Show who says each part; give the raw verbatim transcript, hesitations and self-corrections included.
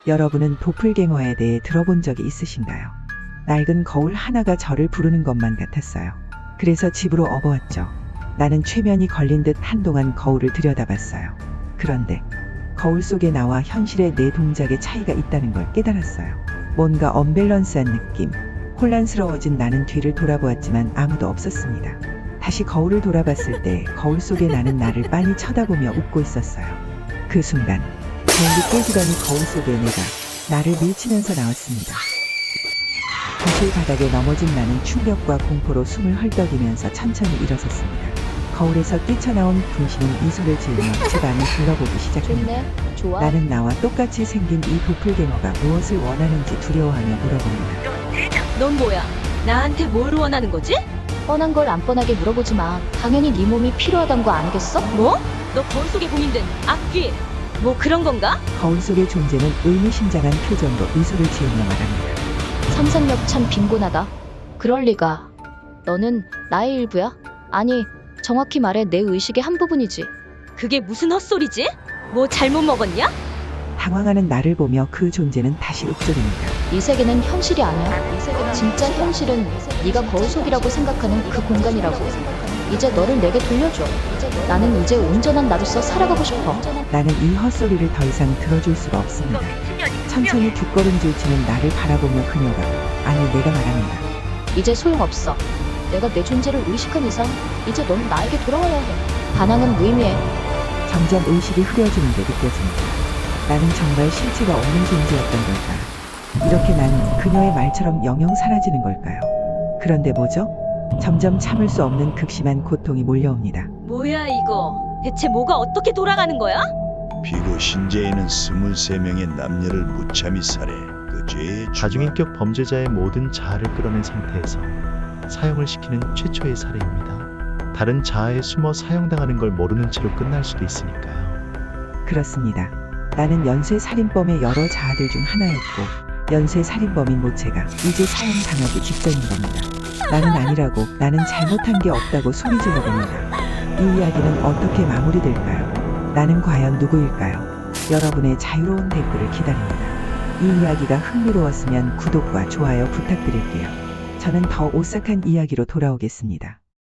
Speaker 1: 여러분은 도플갱어에 대해 들어본 적이 있으신가요? 낡은 거울 하나가 저를 부르는 것만 같았어요. 그래서 집으로 업어왔죠. 나는 최면이 걸린 듯 한동안 거울을 들여다봤어요. 그런데 거울 속에 나와 현실의 내 동작에 차이가 있다는 걸 깨달았어요. 뭔가 언밸런스한 느낌. 혼란스러워진 나는 뒤를 돌아보았지만 아무도 없었습니다. 다시 거울을 돌아봤을 때 거울 속에 나는 나를 빤히 쳐다보며 웃고 있었어요. 그 순간 거울이 깨지더니 거울 속에 내가 나를 밀치면서 나왔습니다. 거실 바닥에 넘어진 나는 충격과 공포로 숨을 헐떡이면서 천천히 일어섰습니다. 거울에서 뛰쳐나온 분신은 미소를 지으며 집안을 둘러보기 시작합니다.
Speaker 2: 좋네. 좋아.
Speaker 1: 나는 나와 똑같이 생긴 이 도플갱어가 무엇을 원하는지 두려워하며 물어봅니다.
Speaker 3: 넌 뭐야? 나한테 뭘 원하는 거지?
Speaker 2: 뻔한 걸 안 뻔하게 물어보지 마. 당연히 네 몸이 필요하단 거 아니겠어?
Speaker 3: 뭐? 너 거울 속에 봉인된 악귀 뭐 그런 건가?
Speaker 1: 거울 속의 존재는 의미심장한 표정으로 미소를 지으며 말합니다.
Speaker 2: 상상력 참 빈곤하다. 그럴 리가. 너는 나의 일부야? 아니, 정확히 말해 내 의식의 한 부분이지.
Speaker 3: 그게 무슨 헛소리지? 뭐 잘못 먹었냐?
Speaker 1: 당황하는 나를 보며 그 존재는 다시 읊조립니다.
Speaker 2: 이 세계는 현실이 아니야. 진짜 현실은 네가 거울 속이라고 생각하는 그 공간이라고. 이제 너를 내게 돌려줘. 나는 이제 온전한 나로서 살아가고 싶어.
Speaker 1: 나는 이 헛소리를 더 이상 들어줄 수가 없습니다. 천천히 뒷걸음질 치는 나를 바라보며 그녀가, 아니 내가 말합니다.
Speaker 2: 이제 소용없어. 내가 내 존재를 의식한 이상 이제 넌 나에게 돌아와야 해. 반항은 무의미해.
Speaker 1: 점점 의식이 흐려지는 게 느껴집니다. 나는 정말 실체가 없는 존재였던 걸까? 이렇게 난 그녀의 말처럼 영영 사라지는 걸까요? 그런데 뭐죠? 점점 참을 수 없는 극심한 고통이 몰려옵니다.
Speaker 3: 뭐야 이거? 대체 뭐가 어떻게 돌아가는 거야?
Speaker 4: 비고 신재에는 스물세 명의 남녀를 무참히 살해 그 죄의
Speaker 5: 다중인격 범죄자의 모든 자아를 끌어낸 상태에서 사형을 시키는 최초의 살해입니다. 다른 자아에 숨어 사형당하는 걸 모르는 채로 끝날 수도 있으니까요.
Speaker 1: 그렇습니다. 나는 연쇄살인범의 여러 자아들 중 하나였고 연쇄살인범인 모체가 이제 사형당하기 직전인 겁니다. 나는 아니라고, 나는 잘못한 게 없다고 소리질러 봅니다. 이 이야기는 어떻게 마무리될까요? 나는 과연 누구일까요? 여러분의 자유로운 댓글을 기다립니다. 이 이야기가 흥미로웠으면 구독과 좋아요 부탁드릴게요. 저는 더 오싹한 이야기로 돌아오겠습니다.